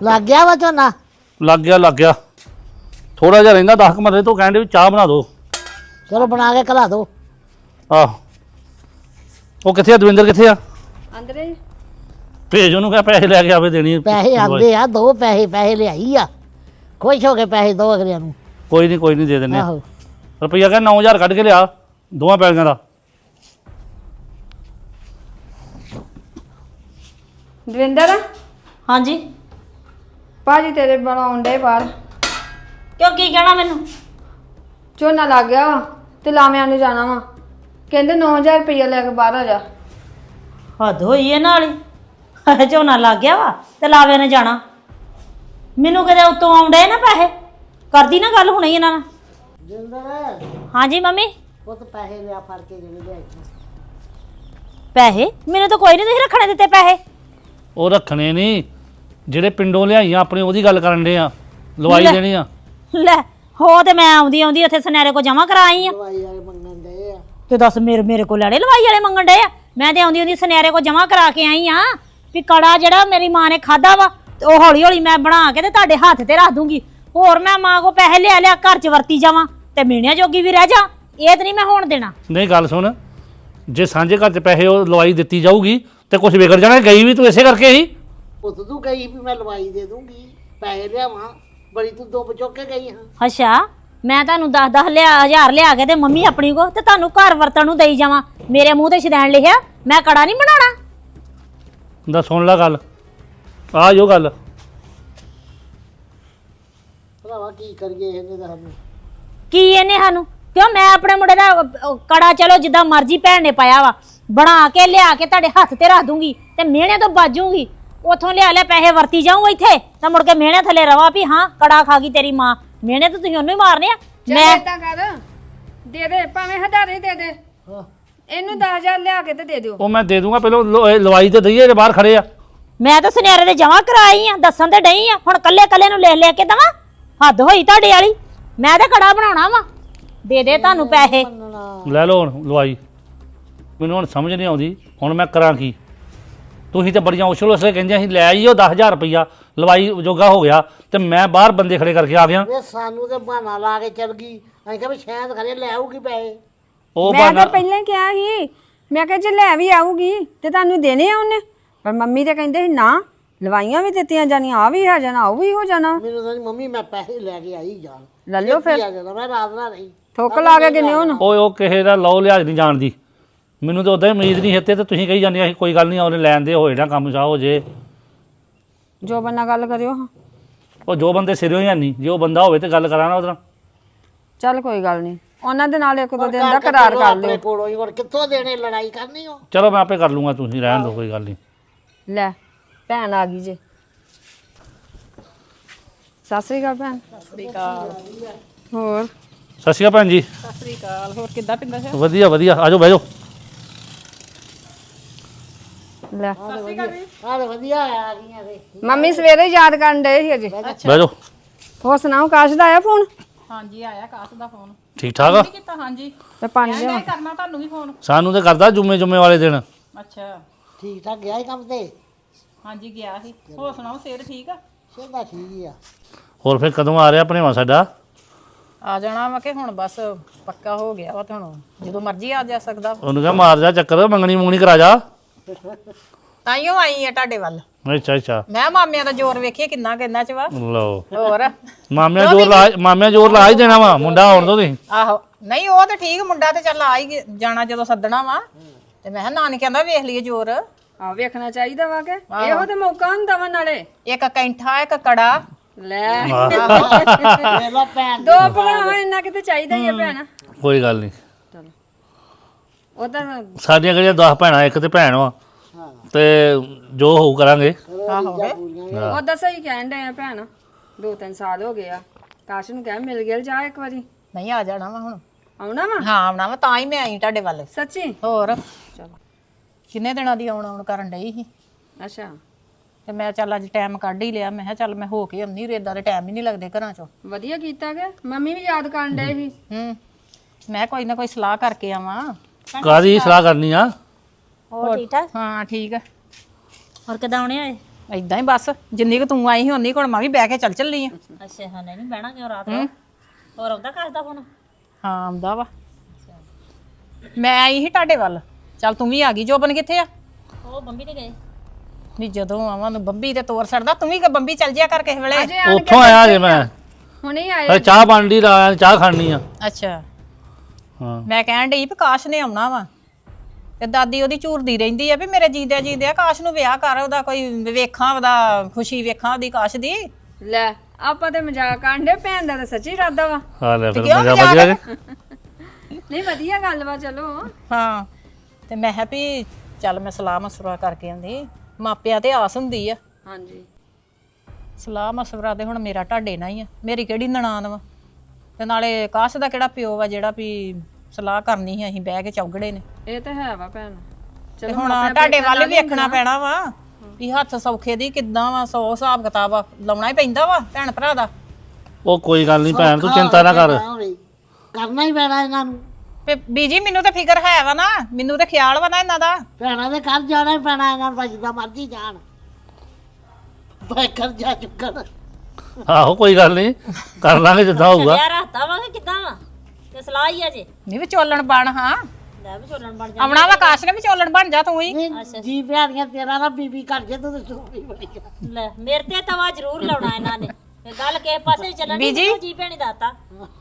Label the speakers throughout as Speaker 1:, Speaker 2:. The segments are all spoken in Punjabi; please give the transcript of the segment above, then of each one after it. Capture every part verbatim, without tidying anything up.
Speaker 1: ਲੱਗ ਗਿਆ ਵਾ ਝੋਨਾ?
Speaker 2: ਲੱਗ ਗਿਆ ਲੱਗ ਗਿਆ ਥੋੜਾ ਜਿਹਾ ਰਹਿੰਦਾ ਦਸ ਮਰਲੇ ਤੋਂ ਕਹਿੰਦੇ ਵੀ ਚਾਹ ਬਣਾ ਦਿਓ।
Speaker 1: ਚਲੋ ਬਣਾ ਕੇ ਖਲਾ ਦੋ।
Speaker 2: ਆਹ ਉਹ ਕਿੱਥੇ ਆ ਦਵਿੰਦਰ ਕਿੱਥੇ ਆ?
Speaker 3: ਅੰਦਰੇ
Speaker 2: ਭੇਜ ਉਹਨੂੰ ਕਹਿ ਪੈਸੇ ਲੈ ਕੇ ਆਵੇ ਦੇਣੀ
Speaker 1: ਪੈਸੇ ਆਂਦੇ ਆ ਦੋ ਪੈਸੇ ਪੈਸੇ ਲਿਆਈ ਆ ਖੁਸ਼ ਹੋ ਕੇ ਪੈਸੇ ਦੋ ਅਗਲਿਆਂ ਨੂੰ।
Speaker 2: ਕੋਈ ਨਹੀਂ ਕੋਈ ਨਹੀਂ ਦੇ ਦਿੰਦੇ
Speaker 1: ਆਹੋ
Speaker 2: ਰੁਪਈਆ ਕਹਿੰਦਾ ਨੌ ਹਜ਼ਾਰ ਕੱਢ ਕੇ ਲਿਆ ਦੋਵਾਂ ਪੈਸਿਆਂ ਦਾ।
Speaker 3: ਦਵਿੰਦਰ
Speaker 4: ਹਾਂਜੀ
Speaker 3: ਭਾਜੀ ਤੇਰੇ ਬਣਾਉਣ ਡੇ ਬਾਹਰ।
Speaker 4: ਕਿਉਂ ਕੀ ਕਹਿਣਾ ਮੈਨੂੰ?
Speaker 3: ਝੋਨਾ ਲੱਗ ਗਿਆ ਵਾ ਤੇ ਲਾਵਿਆਂ ਨੂੰ ਜਾਣਾ ਵਾ, ਕਹਿੰਦੇ ਨੌ ਹਜ਼ਾਰ ਰੁਪਈਆ ਲੈ ਕੇ ਬਾਹਰ ਆ ਜਾ।
Speaker 4: ਹੱਦ ਹੋਈ ਇਹ ਨਾਲ ਹੀ ਝੋਨਾ ਲੱਗ ਗਿਆ ਵਾ ਤੇ ਲਾਵੇ ਨੇ ਜਾਣਾ। ਮੈਨੂੰ ਕਦੇ ਉੱਤੋਂ ਆਉਂਦੇ ਨਾ ਪੈਸੇ ਕਰਦੀ ਨਾ ਗੱਲ ਹੁਣੇ ਇਹਨਾਂ ਨਾਲ।
Speaker 1: ਜਿੰਦਰ
Speaker 4: ਹਾਂਜੀ ਮੰਮੀ
Speaker 1: ਉਹ ਤਾਂ ਪੈਸੇ ਲਿਆ ਫੜ ਕੇ ਜਿਹੜੇ ਲਿਆਈ।
Speaker 4: ਪੈਸੇ ਮੈਨੂੰ ਤਾਂ ਕੋਈ ਨਹੀਂ ਤੁਸੀਂ ਰੱਖਣੇ ਦਿੱਤੇ ਪੈਸੇ।
Speaker 2: ਉਹ ਰੱਖਣੇ ਨਹੀਂ ਜਿਹੜੇ ਪਿੰਡੋਂ ਲਿਆਈਆਂ ਆਪਣੇ ਉਹਦੀ ਗੱਲ ਕਰਨ ਦੇ ਆ ਲਵਾਈ
Speaker 4: ਲੈ।
Speaker 2: ਦੇਣੀ ਆ।
Speaker 4: ਲੈ ਹੋ ਤੇ ਮੈਂ ਆਉਂਦੀ ਆਉਂਦੀ ਉੱਥੇ ਸੁਨਿਆਰੇ ਕੋ ਜਮਾ ਕਰਾ ਆਈ ਆ
Speaker 1: ਦਵਾਈ ਵਾਲੇ ਮੰਗਣ ਦੇ ਆ
Speaker 4: ਤੇ ਦੱਸ ਮੇਰੇ ਮੇਰੇ ਕੋਲ ਲੜੇ ਲਵਾਈ ਵਾਲੇ ਮੰਗਣ ਡਏ ਆ। ਮੈਂ ਤੇ ਆਉਂਦੀ ਆਉਂਦੀ ਸੁਨਿਆਰੇ ਕੋ ਜਮਾ ਕਰਾ ਕੇ ਆਈ ਆ ਵੀ ਕੜਾ ਜਿਹੜਾ ਮੇਰੀ ਮਾਂ ਨੇ ਖਾਦਾ ਵਾ ਤੇ ਉਹ ਹੌਲੀ ਹੌਲੀ ਮੈਂ ਬਣਾ ਕੇ ਤੇ ਤੁਹਾਡੇ ਹੱਥ ਤੇ ਰੱਖ ਦੂੰਗੀ। ਹੋਰ ਮੈਂ ਮਾਂ ਕੋ ਪੈਸੇ ਲਿਆ ਲਿਆ ਘਰ ਚ ਵਰਤੀ ਜਾਵਾਂ ਤੇ ਮੀਣਿਆਂ ਜੋਗੀ ਵੀ ਰਹਿ ਜਾ। ਇਹ ਤੇ ਨਹੀਂ ਮੈਂ ਹੋਣ ਦੇਣਾ।
Speaker 2: ਨਹੀਂ ਗੱਲ ਸੁਣ ਜੇ ਸਾਂਝੇ ਘਰ 'ਚ ਪੈਸੇ ਉਹ ਲਵਾਈ ਦਿੱਤੀ ਜਾਊਗੀ ਤੇ ਕੁਝ ਵਿਗੜ ਜਾਣਾ। ਗਈ ਵੀ ਤੂੰ ਇਸੇ ਕਰਕੇ ਹੀ
Speaker 1: ਪੁੱਤ ਤੂੰ ਕਹੀ ਵੀ ਮੈਂ ਲਵਾਈ ਦੇ ਦੂੰਗੀ ਪੈਸੇ ਲਿਆਵਾਂ ਬੜੀ ਤੂੰ ਦੋ ਚੁੱਕ ਕੇ ਗਈ ਹਾਂ।
Speaker 4: ਅੱਛਾ ਮੈਂ ਤੁਹਾਨੂੰ ਦਸ ਦਸ ਲਿਆ ਹਜ਼ਾਰ ਲਿਆ ਕੇ ਤੇ ਮੰਮੀ ਆਪਣੀ ਕੋ ਤੇ ਤੁਹਾਨੂੰ ਘਰ ਵਰਤਣ ਨੂੰ ਦੇਈ ਜਾਵਾਂ। ਮੇਰੇ ਮੂੰਹ ਤੇ ਸ਼ਦੈਣ ਲਿਖਿਆ ਮੈਂ ਕੜਾ ਨਹੀਂ ਬਣਾਉਣਾ।
Speaker 2: ਦਾ ਸੁਣ ਲੈ ਗੱਲ ਆ ਜੋ ਗੱਲ
Speaker 1: ਭਰਾਵਾ ਕੀ ਕਰੀਏ ਇਹਨੇ ਤਾਂ ਸਾਨੂੰ।
Speaker 4: ਕੀ ਇਹਨੇ ਸਾਨੂੰ ਕਿਉਂ ਮੈਂ ਆਪਣੇ ਮੁੰਡੇ ਦਾ ਅਹ, ਕੜਾ ਚਲੋ ਜਿੱਦਾਂ ਮਰਜ਼ੀ ਭੈਣ ਨੇ ਪਾਇਆ ਵਾ ਬਣਾ ਕੇ ਲਿਆ ਕੇ ਤੁਹਾਡੇ ਹੱਥ ਤੇ ਰੱਖ ਦੂੰਗੀ ਤੇ ਮਿਹਣੇ ਤੋਂ ਬਾਜੂਗੀ। ਉਥੋਂ ਲਿਆ ਲਿਆ ਪੈਸੇ ਵਰਤੀ ਜਾਊਂ ਇੱਥੇ ਤਾਂ ਮੁੜ ਕੇ ਮਿਹਣੇ ਥੱਲੇ ਰਵਾ ਵੀ ਹਾਂ ਕੜਾ ਖਾ ਗਈ ਤੇਰੀ ਮਾਂ। ਮਿਹਣੇ ਤਾਂ ਤੁਸੀਂ ਉਹਨੂੰ ਹੀ ਮਾਰਨੇ ਆ।
Speaker 3: ਮੈਂ
Speaker 4: ਮੈਂ
Speaker 3: ਇਦਾਂ ਕਰ ਦੇ ਦੇ ਭਾਵੇਂ ਹਜ਼ਾਰੇ ਦੇ ਦੇ ਇਹਨੂੰ ਦਸ ਹਜ਼ਾਰ ਲਿਆ ਕੇ ਤੇ ਦੇ ਦਿਓ।
Speaker 2: ਉਹ ਮੈਂ ਦੇ ਦੂੰਗਾ ਪਹਿਲਾਂ ਲ- ਇਹ ਲਵਾਈ ਤੇ ਦਈਏ ਜੇ ਬਾਹਰ ਖੜੇ ਆ।
Speaker 4: ਮੈਂ ਤਾਂ ਸੁਨਿਆਰੇ ਦੇ ਜਮਾ ਕਰਾਈ ਆ ਦੱਸਣ ਤੇ ਡਈ ਆ। ਹੁਣ ਕੱਲੇ ਕੱਲੇ ਨੂੰ ਲੈ ਲੈ ਕੇ ਦਵਾਂ ਹੱਦ ਹੋਈ ਤੁਹਾਡੇ ਵਾਲੀ। ਮੈਂ ਤਾਂ ਕੜਾ ਬਣਾਉਣਾ ਵਾ ਦੇ ਦੇ ਤੁਹਾਨੂੰ ਪੈਸੇ।
Speaker 2: ਲੈ ਲਓ ਹੁਣ ਲਵਾਈ। ਮੈਨੂੰ ਹੁਣ ਸਮਝ ਨਹੀਂ ਆਉਂਦੀ ਹੁਣ ਮੈਂ ਕਰਾਂ ਕੀ। ਤੁਸੀਂ ਤਾਂ ਬੜੀਆਂ ਉਛਲ ਉਛਲੇ ਕਹਿੰਦੀਆਂ ਸੀ ਲੈ ਆਈਓ ਦਸ ਹਜ਼ਾਰ ਰੁਪਈਆ ਲਵਾਈ ਜੋਗਾ ਹੋ ਗਿਆ ਤੇ ਮੈਂ ਬਾਹਰ ਬੰਦੇ ਖੜੇ ਕਰਕੇ ਆ ਗਿਆ।
Speaker 1: ਇਹ ਸਾਨੂੰ ਤੇ ਬਹਾਨਾ ਲਾ ਕੇ ਚਲ ਗਈ। ਅਸੀਂ ਕਿਹਾ ਵੀ ਸ਼ਾਇਦ ਖਰੇ ਲੈ ਆਊਗੀ ਪੈਸੇ।
Speaker 2: ਉਹ
Speaker 3: ਮੈਂ
Speaker 2: ਬਹਾਨਾ
Speaker 3: ਤਾਂ ਪਹਿਲਾਂ ਕਿਹਾ ਸੀ ਮੈਂ ਕਿਹਾ ਜੇ ਲੈ ਵੀ ਆਊਗੀ ਤੇ ਤੁਹਾਨੂੰ ਦੇਣੇ ਆ ਉਹਨੇ, ਪਰ ਮੰਮੀ ਤੇ ਕਹਿੰਦੇ ਸੀ ਨਾ ਲਵਾਈਆਂ ਵੀ ਦਿੱਤੀਆਂ ਜਾਣੀਆਂ ਆ ਵੀ ਆ ਜਾਣਾ ਉਹ ਵੀ ਹੋ ਜਾਣਾ।
Speaker 1: ਮੈਨੂੰ ਤਾਂ ਮੰਮੀ ਮੈਂ ਪੈਸੇ ਲੈ ਕੇ ਆਈ ਜਾਣ
Speaker 3: ਲੈ ਲਿਓ ਫਿਰ
Speaker 1: ਆ ਜਾਣਾ ਮੈਂ ਰਾਤ ਨਾ ਰਹੀ।
Speaker 3: ਠੋਕ ਲਾ ਕੇ ਗਿਨੇ ਹੁਣ।
Speaker 2: ਓਏ ਉਹ ਕਿਸੇ ਦਾ ਲਓ ਲਿਹਾਜ਼ ਨਹੀਂ ਜਾਣਦੀ। ਮੈਨੂੰ ਤਾਂ ਉਦਾਂ ਹੀ ਉਮੀਦ ਨਹੀਂ ਹਿੱਤੇ ਤੇ ਤੁਸੀਂ ਕਹੀ ਜਾਂਦੀਆਂ ਸੀ ਕੋਈ ਗੱਲ ਨਹੀਂ ਉਹਨੇ ਲੈਣ ਦੇ ਹੋਏ ਨਾ ਕੰਮ ਚਾਹ ਹੋ ਜੇ।
Speaker 3: ਜੋ ਬੰਨਾ ਗੱਲ ਕਰਿਓ ਹਾਂ।
Speaker 2: ਉਹ ਜੋ ਬੰਦੇ ਸਿਰੋਂ ਹੀ ਨਹੀਂ ਜੇ ਉਹ ਬੰਦਾ ਹੋਵੇ ਤੇ ਗੱਲ ਕਰਾਣਾ ਉਹਦੇ ਨਾਲ।
Speaker 3: ਚੱਲ ਕੋਈ ਗੱਲ ਨਹੀਂ ਉਹਨਾਂ ਦੇ ਨਾਲ ਇੱਕ ਦੋ ਦਿਨ ਦਾ ਕਰਾਰ ਕਰ ਲਿਓ।
Speaker 1: ਆਪਣੇ ਕੋਲੋਂ ਹੀ ਹੁਣ ਕਿੱਥੋਂ ਦੇਣੇ ਲੜਾਈ ਕਰਨੀ ਹੋ।
Speaker 2: ਚਲੋ ਮੈਂ ਆਪੇ ਕਰ ਲੂੰਗਾ ਤੁਸੀਂ ਰਹਿਣ ਦਿਓ ਕੋਈ ਗੱਲ ਨਹੀਂ।
Speaker 3: ਲੈ ਭੈਣ ਆ ਗਈ ਜੇ। ਸਤਿ ਸ੍ਰੀ ਅਕਾਲ ਭੈਣ।
Speaker 5: ਸਤਿ ਸ੍ਰੀ ਅਕਾਲ।
Speaker 3: ਹੋਰ
Speaker 2: ਸਤਿ ਸ਼੍ਰੀ ਅਕਾਲ ਭੈਣ ਜੀ।
Speaker 5: ਸਤਿ ਸ੍ਰੀ ਅਕਾਲ। ਹੋਰ ਕਿੱਦਾਂ ਪਿੰਦਾ ਹੈ?
Speaker 2: ਵਧੀਆ ਵਧੀਆ ਆਜੋ ਬਹਿ ਜਾਓ।
Speaker 3: ਲੈ
Speaker 1: ਆਹ ਵਧੀਆ ਆ ਗਈਆਂ ਤੇ
Speaker 3: ਮੰਮੀ ਸਵੇਰੇ ਹੀ ਯਾਦ ਕਰਨ ਡਏ ਸੀ ਅਜੇ।
Speaker 2: ਬਹਿ ਜਾਓ।
Speaker 3: ਹੋਰ ਸੁਣਾਓ ਕਾਸ਼ ਦਾ ਆਇਆ ਫੋਨ?
Speaker 5: ਹਾਂਜੀ ਆਇਆ ਕਾਸ ਦਾ ਫੋਨ।
Speaker 2: ਠੀਕ ਠਾਕ ਆ?
Speaker 5: ਕੀ ਕੀਤਾ? ਹਾਂਜੀ
Speaker 3: ਤੇ ਪਾਣੀ
Speaker 5: ਮੈਂ
Speaker 3: ਲਿਆਵਾਂ?
Speaker 5: ਕਰਨਾ ਤੁਹਾਨੂੰ ਵੀ ਫੋਨ।
Speaker 2: ਸਾਨੂੰ ਤੇ ਕਰਦਾ ਜੁਮੇ ਜੁਮੇ ਵਾਲੇ ਦਿਨ।
Speaker 5: ਅੱਛਾ
Speaker 1: ਠੀਕ ਠਾਕ ਗਿਆ ਹੀ ਕੰਮ ਤੇ
Speaker 5: ਹਾਂਜੀ ਗਿਆ ਸੀ। ਹੋਰ ਸੁਣਾਓ ਸਿਹਤ ਠੀਕ ਆ?
Speaker 1: ਸਿਹਦਾ ਠੀਕ ਹੀ ਆ।
Speaker 2: ਹੋਰ ਫਿਰ ਕਦੋਂ ਆ ਰਿਹਾ ਭਣੇਵਾ ਸਾਡਾ?
Speaker 5: ਆ ਜਾਣਾ ਵਾ ਕਿ ਹੁਣ ਬਸ ਪੱਕਾ ਹੋ ਗਿਆ ਵਾ ਤੇ ਹੁਣ ਜਦੋਂ ਮਰਜ਼ੀ ਆ ਜਾ ਸਕਦਾ।
Speaker 2: ਉਹਨੂੰ ਕਹਾਂ ਮਾਰ ਜਾ ਚੱਕਰ ਮੰਗਣੀ ਮੂੰਗਣੀ ਕਰਾ ਜਾ।
Speaker 5: ਤਾਈਓ ਆਈ ਆ ਤੁਹਾਡੇ ਵੱਲ।
Speaker 2: ਅੱਛਾ ਅੱਛਾ
Speaker 5: ਮੈਂ ਮਾਮਿਆਂ ਦਾ ਜ਼ੋਰ ਵੇਖੀਏ ਕਿੰਨਾ ਕਿੰਨਾ ਚ ਵਾ।
Speaker 2: ਲਓ
Speaker 5: ਹੋਰ
Speaker 2: ਮਾਮਿਆਂ ਜੋਰ ਲਾ ਮਾਮਿਆਂ ਜੋਰ ਲਾ ਹੀ ਦੇਣਾ ਵਾ ਮੁੰਡਾ ਆਉਣ ਦੋ ਤੁਸੀਂ।
Speaker 5: ਆਹੋ ਨਹੀਂ ਉਹ ਤੇ ਠੀਕ ਮੁੰਡਾ ਤੇ ਚੱਲ ਆ ਹੀ ਗਿਆ- ਜਾਣਾ ਜਦੋਂ ਸੱਦਣਾ ਵਾ ਤੇ ਮੈਂ ਕਿਹਾ ਨਾਨੀ ਕਹਿੰਦਾ ਵੇਖ ਲਈਏ ਜ਼ੋਰ।
Speaker 3: ਆ ਵੇਖਣਾ ਚਾਹੀਦਾ ਵਾ ਕਿ ਇਹੋ ਤੇ ਮੌਕਾ ਹੁੰਦਾ ਵਾ ਨਾਲੇ।
Speaker 5: ਇੱਕ ਕੈਂਠਾ ਇੱਕ ਕੜਾ।
Speaker 3: ਲੈ
Speaker 1: ਵੇਖ ਲਾ ਭੈਣ
Speaker 3: ਦੋ ਭਰਾਵਾਂ ਇੰਨਾ ਕਿਤੇ ਚਾਹੀਦਾ ਹੀ ਆ ਭੈਣ।
Speaker 2: ਕੋਈ ਗੱਲ ਨਹੀਂ
Speaker 3: ਉਹ ਤਾਂ
Speaker 2: ਸਾਡੀਆਂ ਕਿਹੜੀਆਂ ਦਸ ਭੈਣਾਂ ਇੱਕ ਤੇ ਭੈਣ ਵਾ ਤੇ ਜੋ ਹੋਊ ਕਰਾਂਗੇ।
Speaker 5: ਆਹੋ
Speaker 3: ਉਹ ਤਾਂ ਸਹੀ ਕਹਿਣ ਡਏ ਆ ਭੈਣ। ਦੋ ਤਿੰਨ ਸਾਲ ਹੋ ਗਏ ਆ ਕਾਸ਼ ਨੂੰ ਕਹਿ ਮਿਲ ਗਿਆ ਜਾ ਇੱਕ ਵਾਰੀ।
Speaker 5: ਨਹੀਂ ਆ ਜਾਣਾ ਵਾ ਹੁਣ।
Speaker 3: ਆਉਣਾ ਵਾ
Speaker 5: ਹਾਂ ਆਉਣਾ ਵਾ ਤਾਂ ਹੀ ਮੈਂ ਆਈ ਤੁਹਾਡੇ ਵੱਲ।
Speaker 3: ਸੱਚੀ?
Speaker 5: ਹੋਰ ਚਲੋ ਕਿੰਨੇ ਦਿਨਾਂ ਦੀ ਆਉਣ ਆਉਣ ਕਰਨ ਡਈ ਸੀ
Speaker 3: ਅੱਛਾ
Speaker 5: ਤੇ ਮੈਂ ਚੱਲ ਅੱਜ ਟਾਈਮ ਕੱਢ ਹੀ ਲਿਆ। ਮੈਂ ਕਿਹਾ ਚੱਲ ਮੈਂ ਹੋ ਕੇ ਆਉਂਦੀ ਰੇਦਾਂ ਦੇ ਟਾਈਮ ਹੀ ਨਹੀਂ ਲੱਗਦੇ ਘਰਾਂ ਚੋਂ।
Speaker 3: ਵਧੀਆ ਕੀਤਾ ਕਿ ਮੰਮੀ ਵੀ ਯਾਦ ਕਰਨ ਡਏ ਸੀ।
Speaker 5: ਹੂੰ ਮੈਂ ਕੋਈ ਨਾ ਕੋਈ ਸਲਾਹ ਕਰਕੇ ਆਵਾਂ।
Speaker 2: ਕਾਹਦੀ ਸਲਾਹ ਕਰਨੀ ਆ?
Speaker 4: ਹੋਰ ਠੀਕ ਠਾਕ?
Speaker 5: ਹਾਂ ਠੀਕ ਆ।
Speaker 4: ਹੋਰ ਕਿਦਾਂ ਆਉਣੇ ਆਏ?
Speaker 5: ਏਦਾਂ ਹੀ ਬਸ ਜਿੰਨੀ ਕੁ ਤੂੰ ਆਈ ਸੀ ਉਨੀ ਕੋਲ ਮੈਂ ਵੀ ਬਹਿ ਕੇ ਚੱਲ ਚੱਲੀ ਆ
Speaker 4: ਅੱਛਾ ਹਾਂ ਨਹੀਂ ਬਹਿਣਾ ਕਿਉਂ ਰਾਤ ਨੂੰ ਹੋਰ ਆਉਂਦਾ ਕੱਸਦਾ ਫੋਨ
Speaker 5: ਹਾਂ ਆਉਂਦਾ ਵਾ ਮੈਂ ਆਈ ਸੀ ਤੁਹਾਡੇ ਵੱਲ ਚੱਲ ਤੂੰ ਵੀ ਆ ਗਈ ਜੋਬਨ ਕਿੱਥੇ ਆ
Speaker 4: ਉਹ ਬੰਬੀ ਤੇ ਗਏ
Speaker 5: ਨਹੀਂ ਜਦੋਂ ਆਵਾਂ ਨੂੰ ਬੰਬੀ ਤੇ ਤੋਰ ਛੱਡਦਾ ਤੂੰ ਵੀ ਕ ਬੰਬੀ ਚੱਲ ਜਿਆ ਕਰ ਕਿਸੇ ਵੇਲੇ
Speaker 3: ਅਜੇ ਆਣ ਕੇ
Speaker 2: ਉੱਥੋਂ ਆਇਆ ਜੇ ਮੈਂ
Speaker 3: ਹੁਣੇ ਆਏ
Speaker 2: ਹਲੇ ਚਾਹ ਬਣ ਦੀ ਲਾ ਚਾਹ ਖਾਣੀ ਆ
Speaker 5: ਅੱਛਾ
Speaker 2: ਹਾਂ
Speaker 5: ਮੈਂ ਕਹਿਣ ਡਈ ਵੀ ਕਾਸ਼ ਨੇ ਆਉਣਾ ਵਾ ਤੇ ਦਾਦੀ ਉਹਦੀ ਝੂਰਦੀ ਰਹਿੰਦੀ ਆ ਵੀ ਮੇਰੇ ਜੀਂਦਿਆਂ ਜੀਂਦਿਆਂ ਕਾਸ਼ ਨੂੰ ਵਿਆਹ ਕਰ ਉਹਦਾ ਕੋਈ ਵੇਖਾਂ ਉਹਦਾ ਖੁਸ਼ੀ ਵੇਖਾਂ ਉਹਦੀ ਕਾਸ਼ ਦੀ
Speaker 3: ਲੈ ਆਪਾਂ ਤੇ ਮਜ਼ਾਕ ਕਾਂਡੇ ਭੈਣ ਦਾ ਤਾਂ ਸੱਚੀ ਇਰਾਦਾ ਵਾ
Speaker 2: ਹਾਂ ਲੈ ਫਿਰ
Speaker 5: ਕਿਉਂ
Speaker 2: ਮਜ਼ਾ
Speaker 5: ਮਜ਼ਾਕ?
Speaker 2: ਵਧੀਆ ਜੇ
Speaker 3: ਨਹੀਂ ਵਧੀਆ ਗੱਲ ਵਾ ਚਲੋ
Speaker 5: ਹਾਂ ਤੇ ਮੈਂ ਕਿਹਾ ਵੀ ਚੱਲ ਮੈਂ ਸਲਾਹ ਮਸਵਰਾ ਕਰਕੇ ਆਂਦੀ ਮਾਪਿਆਂ ਤੇ ਆਸ ਹੁੰਦੀ ਆ
Speaker 3: ਹਾਂਜੀ
Speaker 5: ਸਲਾਹ ਮਸਵਰਾ ਤੇ ਹੁਣ ਮੇਰਾ ਢਾਡੇ ਨਾਲ ਹੀ ਆ ਮੇਰੀ ਕਿਹੜੀ ਨਨਾਣ ਵਾ ਤੇ ਨਾਲੇ ਕਾਸ਼ ਦਾ ਕਿਹੜਾ ਪਿਓ ਵਾ ਜਿਹੜਾ ਵੀ ਸਲਾਹ ਕਰਨੀ ਸੀ ਅਸੀਂ ਬਹਿ ਕੇ ਚੌਗੜੇ ਨੇ
Speaker 3: ਇਹ ਤਾਂ ਹੈ ਵਾ ਭੈਣ
Speaker 5: ਤੇ ਹੁਣ ਤੁਹਾਡੇ ਵੱਲ ਵੀ ਵੇਖਣਾ ਪੈਣਾ ਵਾ ਵੀ ਹੱਥ ਸੌਖੇ ਦੀ ਕਿੱਦਾਂ ਵਾ ਸੌ ਹਿਸਾਬ ਕਿਤਾਬ ਆ, ਲਾਉਣਾ ਹੀ ਪੈਂਦਾ ਵਾ ਭੈਣ ਭਰਾ ਦਾ
Speaker 2: ਉਹ ਕੋਈ ਗੱਲ ਨਹੀਂ ਭੈਣ ਤੂੰ ਚਿੰਤਾ ਨਾ ਕਰ
Speaker 1: ਕਰਨਾ ਹੀ ਪੈਣਾ ਇਹਨਾਂ ਨੂੰ
Speaker 5: ਤੇ ਬੀਜੀ ਮੈਨੂੰ ਤਾਂ ਫਿਕਰ ਹੈ ਵਾ ਨਾ ਮੈਨੂੰ ਤਾਂ ਖਿਆਲ ਵਾ ਨਾ ਇਹਨਾਂ ਦਾ
Speaker 1: ਭੈਣਾਂ ਦੇ ਘਰ ਜਾਣਾ ਹੀ ਪੈਣਾ ਇਹਨਾਂ ਨੂੰ ਜਿੱਦਾਂ ਮਰਜ਼ੀ ਜਾਣ ਭਾਈ ਕਰਜ਼ਾ ਚੁੱਕਣ
Speaker 2: ਆਹੋ ਕੋਈ ਗੱਲ ਨਹੀਂ ਕਰ ਲਾਂਗੇ ਜਿੱਦਾਂ ਹੋਊਗਾ
Speaker 4: ਯਾਰ ਹੱਤਾ ਵਾ ਕਿ ਕਿੱਦਾਂ ਵਾ ਤੇ ਸਲਾਹ ਹੀ ਆ ਜੇ
Speaker 5: ਨਹੀਂ ਵਿਚੋਲਣ ਬਣ ਹਾਂ
Speaker 4: ਲੈ ਵੀ ਚੋਲਣ ਬਣ ਜਾ
Speaker 5: ਆਉਣਾ ਵਾ ਕਾਸ਼ ਨੇ ਵਿਚੋਲਣ ਬਣ ਜਾ ਤੂੰ ਹੀ
Speaker 1: ਨਹੀਂ, ਜੀ ਭੈਣੀਆਂ ਤੇਰਾ ਨਾ ਬੀਬੀ ਘਰ ਜੇ ਤੂੰ ਤੇ ਸੋਹਣੀ ਬੜੀ ਆ।
Speaker 4: ਲੈ ਮੇਰੇ ਤੇ ਤਵਾ ਜ਼ਰੂਰ ਲਾਉਣਾ ਇਹਨਾਂ ਨੇ ਇਹ ਗੱਲ ਕਿਸੇ ਪਾਸੇ ਨੀ ਚੱਲਣੀ
Speaker 5: ਬੀਜੀ।
Speaker 4: ਮੈਨੂੰ ਜੀ ਭੈਣੀ ਦਾਤਾ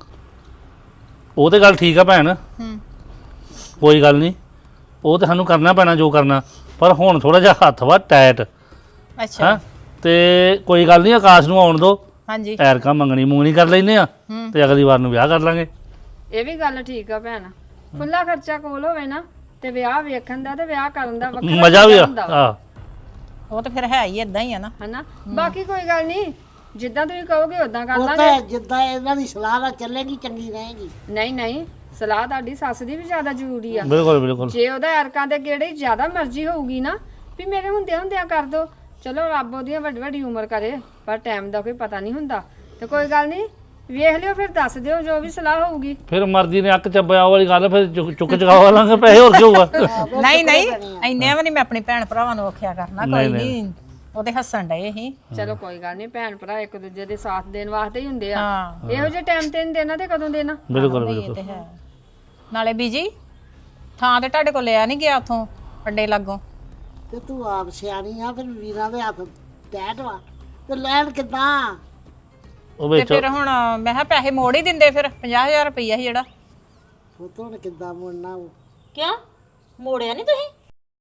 Speaker 2: ਉਹ ਤੇ ਗੱਲ ਠੀਕ ਆ ਭੈਣ
Speaker 5: ਹੂੰ
Speaker 2: ਕੋਈ ਗੱਲ ਨਹੀਂ ਉਹ ਤੇ ਸਾਨੂੰ ਕਰਨਾ ਪੈਣਾ ਜੋ ਕਰਨਾ ਪਰ ਹੁਣ ਥੋੜਾ ਜਿਹਾ ਹੱਥ ਵਾ ਟਾਈਟ
Speaker 5: ਅੱਛਾ
Speaker 2: ਹਾਂ ਤੇ ਕੋਈ ਗੱਲ ਨਹੀਂ ਆਕਾਸ਼ ਨੂੰ ਆਉਣ ਦੋ
Speaker 5: ਹਾਂਜੀ
Speaker 2: ਐਰਕਾ ਮੰਗਣੀ ਮੂੰਗਣੀ ਕਰ ਲੈਨੇ ਆ
Speaker 5: ਹੂੰ
Speaker 2: ਤੇ ਅਗਲੀ ਵਾਰ ਨੂੰ ਵਿਆਹ ਕਰ ਲਾਂਗੇ
Speaker 3: ਇਹ ਵੀ ਗੱਲ ਠੀਕ ਆ ਭੈਣ ਖੁੱਲਾ ਖਰਚਾ ਕੋਲ ਹੋਵੇ ਨਾ ਤੇ ਵਿਆਹ ਵੇਖਣ ਦਾ ਤੇ ਵਿਆਹ ਕਰਨ ਦਾ ਵੱਖਰਾ
Speaker 2: ਮਜ਼ਾ ਵੀ ਆ
Speaker 3: ਹੁੰਦਾ ਵਾ,
Speaker 2: ਆ
Speaker 5: ਉਹ ਤਾਂ ਫਿਰ ਹੈ ਹੀ ਇਦਾਂ ਹੀ ਆ ਨਾ
Speaker 3: ਹਨਾ ਬਾਕੀ ਕੋਈ ਗੱਲ ਨਹੀਂ ਜਿੱਦਾਂ ਤੁਸੀਂ ਕਹੋਗੇ ਉਦਾਂ ਕਰ
Speaker 1: ਉਹ
Speaker 3: ਲਾਂਗੇ
Speaker 1: ਤਾਂ ਜਿੱਦਾਂ ਇਹਨਾਂ ਦੀ ਸਲਾਹ ਨਾਲ ਚੱਲੇਗੀ ਚੰਗੀ ਰਹੇਗੀ
Speaker 3: ਨਹੀਂ ਨਹੀਂ ਸਲਾਹ ਤੁਹਾਡੀ ਸੱਸ ਦੀ ਵੀ ਜ਼ਿਆਦਾ ਜ਼ਰੂਰੀ ਆ
Speaker 2: ਬਿਲਕੁਲ ਬਿਲਕੁਲ
Speaker 3: ਜੇ ਉਹਦਾ ਅਰਕਾਂ ਦੇ ਕਿਹੜੀ ਜ਼ਿਆਦਾ ਮਰਜ਼ੀ ਹੋਊਗੀ ਨਾ ਵੀ ਮੇਰੇ ਹੁੰਦਿਆਂ ਹੁੰਦਿਆਂ ਕਰ ਦੋ ਚਲੋ ਰੱਬ ਉਹਦੀਆਂ ਵੱਡੀ ਵੱਡੀ ਉਮਰ ਕਰੇ ਪਰ ਟਾਈਮ ਦਾ ਕੋਈ ਪਤਾ ਨਹੀਂ ਹੁੰਦਾ ਤੇ ਕੋਈ ਗੱਲ ਨਹੀਂ ਵੇਖ ਲਿਓ ਫਿਰ ਦੱਸ ਦਿਓ ਜੋ ਵੀ ਸਲਾਹ ਹੋਊਗੀ
Speaker 2: ਫਿਰ ਮਰਜ਼ੀ ਨੇ ਅੱਕ ਚੱਬਿਆ ਵਾਲੀ ਗੱਲ ਫਿਰ ਚੁੱਕ ਚੁੱਕ ਚੁਕਾ ਲਾਂਗੇ ਪੈਸੇ ਹੋਰ ਕੀ ਹੋਊਗਾ
Speaker 5: ਨਹੀਂ ਨਹੀਂ ਇੰਨੇ ਵੀ ਨਹੀਂ ਮੈਂ ਆਪਣੇ ਭੈਣ ਭਰਾਵਾਂ ਨੂੰ ਆਖਿਆ ਕਰਨਾ ਕੋਈ ਨਹੀਂ ਉਹਦੇ ਹੱਸਣ ਡਏ ਸੀ
Speaker 3: ਚਲੋ ਕੋਈ ਗੱਲ ਨਹੀਂ ਭੈਣ ਭਰਾ ਇੱਕ ਦੂਜੇ ਦੇ ਸਾਥ ਦੇਣ ਵਾਸਤੇ ਹੀ ਹੁੰਦੇ ਆ
Speaker 5: ਹਾਂ
Speaker 3: ਇਹੋ ਜਿਹੇ ਟਾਈਮ ਤੇ ਨਹੀਂ ਦੇਣਾ ਤੇ ਕਦੋਂ ਦੇਣਾ
Speaker 2: ਬਿਲਕੁਲ
Speaker 5: ਇਹ
Speaker 2: ਬਿਲਕੁਲ
Speaker 5: ਤੇ ਹੈ ਨਾਲੇ ਬੀਜੀ ਥਾਂ ਤੇ ਤੁਹਾਡੇ ਕੋਲ ਲਿਆ ਨਹੀਂ ਗਿਆ ਉਥੋਂ ਅੱਡੇ ਲਾਗੋਂ
Speaker 1: ਤੇ ਤੂੰ ਆਪ ਸਿਆਣੀ ਆ ਫਿਰ ਵੀਰਾਂ ਦੇ ਹੱਥ ਟੈਟ ਵਾ ਤੇ ਲੈਣ ਕਿੱਦਾਂ
Speaker 2: ਉਹ
Speaker 5: ਤੇ
Speaker 2: ਵਿੱਚ
Speaker 5: ਫਿਰ ਹੁਣ ਮੈਂ ਕਿਹਾ ਪੈਸੇ ਮੋੜ ਹੀ ਦਿੰਦੇ ਫਿਰ ਪੰਜਾਹ ਹਜ਼ਾਰ ਰੁਪਈਆ ਸੀ ਜਿਹੜਾ
Speaker 1: ਪੁੱਤ ਹੁਣ ਕਿੱਦਾਂ ਮੁੜਨਾ ਉਹ
Speaker 4: ਕਿਉਂ ਮੋੜਿਆ ਨਹੀਂ ਤੁਸੀਂ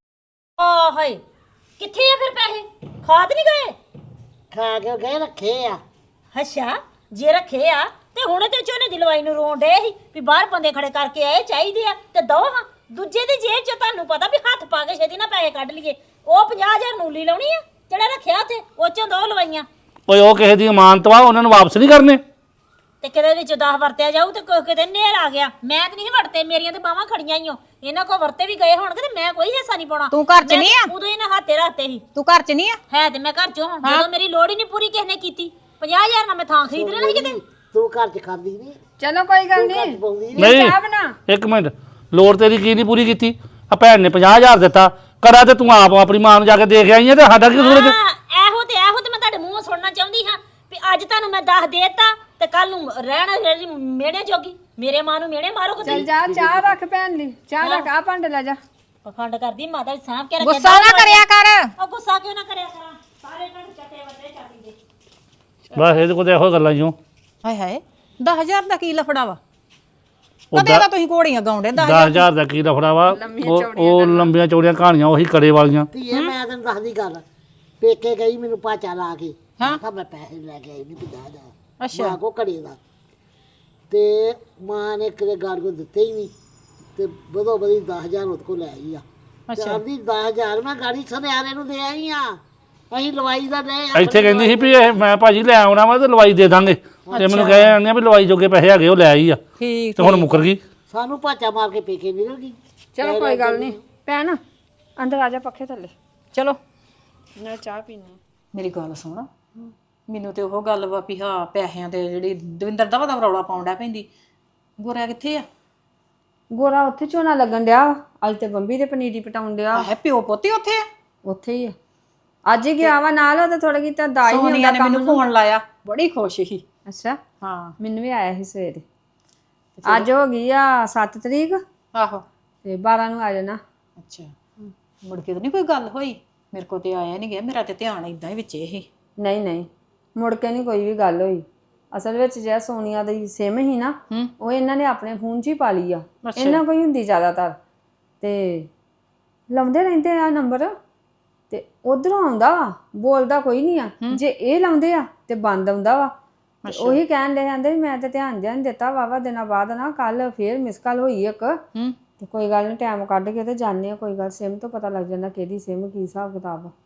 Speaker 4: ਆ ਹਾਏ ਕਿੱਥੇ ਆ ਫਿਰ ਪੈਸੇ ਖਾਦ ਨਹੀਂ ਗਏ
Speaker 1: ਖਾ ਕੇ ਗਏ ਰੱਖੇ ਆ
Speaker 4: ਅੱਛਾ ਜੇ ਰੱਖੇ ਆ ਤੇ ਹੁਣ ਤੇ ਝੋਨੇ ਦੀ ਲਵਾਈ ਨੂੰ ਰੋਣ ਡੇ ਸੀ ਵੀ ਬਾਹਰ ਬੰਦੇ ਖੜੇ ਕਰਕੇ ਆਏ ਚਾਹੀਦੇ ਆ ਤੇ ਦੋ ਹਾਂ ਦੂਜੇ ਦੀ ਜੇਬ 'ਚ ਤੁਹਾਨੂੰ ਪਤਾ ਵੀ ਹੱਥ ਪਾ ਕੇ ਛੇਤੀ ਨਾ ਪੈਸੇ ਕੱਢ ਲਈਏ ਉਹ ਪੰਜਾਹ ਹਜ਼ਾਰ ਨੂਲੀ ਲਾਉਣੀ ਆ ਜਿਹੜਾ ਰੱਖਿਆ ਉੱਥੇ ਉਹ 'ਚੋਂ ਦੋ ਲਵਾਈਆਂ
Speaker 2: ਓਏ ਉਹ ਕਿਸੇ ਦੀ ਇਮਾਨਤ ਵਾ ਉਹਨਾਂ ਨੂੰ ਵਾਪਸ ਨਹੀਂ ਕਰਨੇ
Speaker 4: ਤੇ ਕਿਤੇ ਵਿੱਚ ਦਸ ਵਰਤਿਆ ਜਾਊ ਤੇ ਕੋਈ ਕਿਤੇ ਨੇਰ ਆ ਗਿਆ ਮੈਂ ਤੇ ਨਹੀਂ ਵਰਤੇ ਮੇਰੀਆਂ ਤੇ ਬਾਹਾਂ ਖੜੀਆਂ ਹੀ ਓ ਇਹਨਾਂ ਕੋ ਵਰਤੇ ਵੀ ਗਏ ਹੋਣਗੇ ਤੇ ਮੈਂ ਕੋਈ ਹਿੱਸਾ ਨਹੀਂ ਪਾਉਣਾ
Speaker 5: ਤੂੰ ਘਰ 'ਚ ਨਹੀਂ ਆ
Speaker 4: ਉਦੋਂ ਇਹਨਾਂ ਹੱਥੇ ਰੱਖਤੇ ਸੀ
Speaker 5: ਤੂੰ ਘਰ 'ਚ ਨਹੀਂ ਆ
Speaker 4: ਹੈ ਤੇ ਮੈਂ ਘਰ ਚੋਂ ਹਾਂ ਜਦੋਂ ਮੇਰੀ ਲੋੜ ਹੀ ਨਹੀਂ ਪੂਰੀ ਕਿਸੇ ਨੇ ਕੀਤੀ ਪੰਜਾਹ ਹਜ਼ਾਰ ਨਾਲ ਮੈਂ ਥਾਂ ਖਰੀਦ ਲੈਣਾ ਸੀ ਕਿਤੇ
Speaker 1: ਤੂੰ ਘਰ ਚ ਖਾਂਦੀ ਨਹੀਂ
Speaker 3: ਚਲੋ ਕੋਈ ਗੱਲ ਨਹੀਂ
Speaker 1: ਬੋਲਦੀ
Speaker 2: ਨਹੀਂ
Speaker 3: ਚਾਹ ਬਣਾ
Speaker 2: ਇੱਕ ਮਿੰਟ ਲੋੜ ਤੇਰੀ ਕੀ ਨਹੀਂ ਪੂਰੀ ਕੀਤੀ ਆ ਭੈਣ ਨੇ ਪੰਜਾਹ ਹਜ਼ਾਰ ਦਿੱਤਾ ਕਰਾ ਤੇ ਤੂੰ ਆਪ ਆਪਣੀ ਮਾਂ ਨੂੰ ਜਾ ਕੇ ਦੇਖ ਆਈ ਹੈ ਤੇ ਸਾਡਾ ਕੀ ਕਸੂਰ ਹੈ
Speaker 4: ਹਾਂ ਇਹੋ ਤੇ ਇਹੋ ਤੇ ਮੈਂ ਤੁਹਾਡੇ ਮੂੰਹੋਂ ਸੁਣਨਾ ਚਾਹੁੰਦੀ ਹਾਂ ਵੀ ਅੱਜ ਤੁਹਾਨੂੰ ਮੈਂ ਦੱਸ ਦੇਤਾ ਤੇ ਕੱਲ ਨੂੰ ਰਹਿਣਾ ਮੇੜੇ ਜੋਗੀ ਮੇਰੇ ਮਾਂ ਨੂੰ ਮੇੜੇ ਮਾਰੋ
Speaker 3: ਚੱਲ
Speaker 4: ਕਿਤੇ
Speaker 3: ਜਾ ਚਾਹ ਰੱਖ ਭੈਣ ਲਈ ਚਾਹ ਰੱਖ ਆ ਭਾਂਡੇ ਲੈ ਜਾ
Speaker 4: ਪਖੰਡ ਕਰਦੀ ਮਾਤਾ ਵੀ ਸਾਂਭ ਕੇ ਰੱਖਿਆ
Speaker 5: ਗੁੱਸਾ ਨਾ ਕਰਿਆ ਕਰ
Speaker 4: ਉਹ ਗੁੱਸਾ ਕਿਉਂ ਨਾ ਕਰਿਆ ਕਰਾਂ ਸਾਰੇ ਇਹਨਾਂ ਨੂੰ ਚੱਟੇ ਵੱਡੇ ਚਾਟੀ ਦੇ
Speaker 2: ਬਸ ਇਹਦੇ ਕੋਲ ਤਾਂ ਇਹੋ ਗੱਲਾਂ ਹੀ ਹੋ
Speaker 5: ਹਾਏ ਹਾਏ ਦਸ ਹਜ਼ਾਰ ਦਾ ਕੀ ਲਫੜਾ ਵਾ ਕਦੇ ਤਾਂ ਤੁਸੀਂ ਘੋੜੀਆਂ ਗਾਉਂਦੇ ਦਸ
Speaker 2: ਦਸ ਹਜ਼ਾਰ ਦਾ ਕੀ ਰਫੜਾ ਵਾ ਉਹ ਉਹ ਲੰਬੀਆਂ ਚੌੜੀਆਂ ਕਹਾਣੀਆਂ ਉਹੀ ਕੜੇ ਵਾਲੀਆਂ
Speaker 1: ਧੀਏ ਮੈਂ ਤੈਨੂੰ ਦੱਸਦੀ ਗੱਲ ਪੇਕੇ ਗਈ ਮੈਨੂੰ ਪਾਚਾ ਲਾ ਕੇ
Speaker 5: ਹਾਂ।
Speaker 1: ਮੈਂ ਕਿਹਾ ਮੈਂ ਪੈਸੇ ਲੈ ਕੇ ਆਈ ਨਹੀਂ ਪੰਜਾਹ ਹਜ਼ਾਰ
Speaker 5: ਅੱਛਾ
Speaker 1: ਮਾਂ ਕੋ ਘੜੇ ਦਾ ਤੇ ਮਾਂ ਨੇ ਕਿਤੇ ਗਾੜ ਕੋ ਦਿੱਤੇ ਹੀ ਨਹੀਂ ਤੇ ਬਦੋ ਬਦੀ ਦਸ ਹਜ਼ਾਰ ਉਹਦੇ ਕੋ ਲੈ ਆਈ ਆ
Speaker 5: ਅੱਛਾ
Speaker 1: ਆਪਦੀ ਦਸ ਹਜ਼ਾਰ ਮੈਂ ਗਾੜੀ ਸੁਨਿਆਰੇ ਨੂੰ ਦੇ ਆਈ ਆ ਅਸੀਂ ਲਵਾਈ ਦਾ ਲੈ ਆ
Speaker 2: ਇੱਥੇ ਕਹਿੰਦੀ ਸੀ ਵੀ ਇਹ ਮੈਂ ਭਾਜੀ ਲੈ ਆਉਣਾ ਵਾ ਤੇ ਲਵਾਈ ਦੇ ਦਾਂਗੇ ਤੇ ਮੈਨੂੰ ਕਹੇ ਜਾਂਦੇ ਵੀ ਲਵਾਈ ਜੋਗੇ ਪੈਸੇ ਹੈਗੇ ਉਹ ਲੈ ਆਈ ਆ
Speaker 5: ਠੀਕ
Speaker 2: ਤੇ ਹੁਣ ਮੁੱਕਰ ਗਈ
Speaker 1: ਸਾਨੂੰ ਪਾਚਾ ਮਾਰ ਕੇ ਪੇਕੇ ਨਿਕਲ ਗਈ
Speaker 3: ਚਲੋ ਕੋਈ ਗੱਲ ਨਹੀਂ ਭੈਣ ਅੰਦਰ ਆ ਜਾ ਪੱਖੇ ਥੱਲੇ
Speaker 5: ਚਲੋ
Speaker 3: ਨਾਲ ਚਾਹ ਪੀਣੀ
Speaker 5: ਮੇਰੀ ਗੱਲ ਸੁਣ ਮੈਨੂੰ ਤੇ ਉਹ ਗੱਲ ਵਾ ਵੀ ਹਾਂ ਪੈਸਿਆਂ ਤੇ ਜਿਹੜੀ ਦਵਿੰਦਰ ਦਾ ਵਾ ਰੌਲਾ ਪਾਉਂਦਾ ਪੈਂਦੀ ਗੋਰਾ ਕਿੱਥੇ ਆ
Speaker 3: ਗੋਰਾ ਉੱਥੇ ਝੋਨਾ ਲੱਗਣ ਡਿਆ ਅੱਜ ਤੇ ਬੰਬੀ ਦੇ ਪਨੀਰੀ ਪਟਾਉਣ ਡਿਆ
Speaker 5: ਹੈ ਪਿਓ ਪੋਤੀ ਉੱਥੇ ਆ
Speaker 3: ਉੱਥੇ ਹੀ ਆ ਅੱਜ ਹੀ ਗਿਆ ਵਾ ਨਾਲ ਉਹ ਤਾਂ ਥੋੜਾ ਕੀਤਾ ਦਾਈ ਨਹੀਂ
Speaker 5: ਸੋਨੀਆ
Speaker 3: ਹੁੰਦਾ
Speaker 5: ਨੇ
Speaker 3: ਕੰਮ
Speaker 5: ਮੈਨੂੰ ਫੋਨ ਲਾਇਆ, ਬੜੀ ਖੁਸ਼ ਸੀ।
Speaker 3: ਅੱਛਾ
Speaker 5: ਹਾਂ
Speaker 3: ਮੈਨੂੰ ਵੀ ਆਇਆ ਸੀ ਸਵੇਰੇ। ਅੱਜ ਹੋ ਗਈ ਆ ਸੱਤ ਤਰੀਕ
Speaker 5: ਆਹੋ।
Speaker 3: ਤੇ ਬਾਰਾਂ ਨੂੰ ਆ ਜਾਣਾ।
Speaker 5: ਅੱਛਾ ਮੁੜ ਕੇ ਤਾਂ ਨਹੀਂ ਕੋਈ ਗੱਲ ਹੋਈ? ਮੇਰੇ ਕੋਲ ਤੇ ਆਇਆ ਨਹੀਂ ਗਿਆ, ਮੇਰਾ ਤੇ ਧਿਆਨ ਇਦਾਂ ਹੀ ਵਿੱਚ ਇਹ।
Speaker 3: ਨਹੀਂ ਨਹੀਂ ਮੁੜ ਕੇ ਨਹੀਂ ਕੋਈ ਵੀ ਗੱਲ ਹੋਈ। ਅਸਲ ਵਿੱਚ ਜਿਹੜਾ ਸੋਨੀਆ ਦੀ ਸਿਮ ਹੀ ਨਾ ਉਹ ਇਹਨਾਂ ਨੇ ਆਪਣੇ ਫੋਨ 'ਚ ਹੀ ਪਾ ਲਈ ਆ। ਇਹਨਾਂ ਕੋਈ ਹੁੰਦੀ ਜ਼ਿਆਦਾਤਰ ਤੇ ਲਾਉਂਦੇ ਰਹਿੰਦੇ ਆ ਨੰਬਰ ਤੇ ਉਧਰੋਂ ਆਉਂਦਾ ਵਾ, ਬੋਲਦਾ ਕੋਈ ਨਹੀਂ ਆ। ਜੇ ਇਹ ਲਾਉਂਦੇ ਆ ਤੇ ਬੰਦ ਆਉਂਦਾ ਵਾ। ਤੇ ਉਹੀ ਕਹਿਣ ਦੇ ਜਾਂਦੇ ਮੈਂ ਤੇ ਧਿਆਨ ਜਿਹਾ ਨਹੀਂ ਦਿੱਤਾ। ਵਾਵਾ ਦਿਨਾਂ ਬਾਅਦ ਨਾ ਕੱਲ ਫੇਰ ਮਿਸ ਕਾਲ ਹੋਈ ਇੱਕ। ਤੇ ਕੋਈ ਗੱਲ ਨਹੀਂ ਟਾਈਮ ਕੱਢ ਕੇ ਤੇ ਜਾਣੇ ਆ। ਕੋਈ ਗੱਲ ਸਿਮ ਤੋਂ ਪਤਾ ਲੱਗ ਜਾਂਦਾ ਕਿਹਦੀ ਸਿਮ ਕੀ ਹਿਸਾਬ ਕਿਤਾਬ ਆ।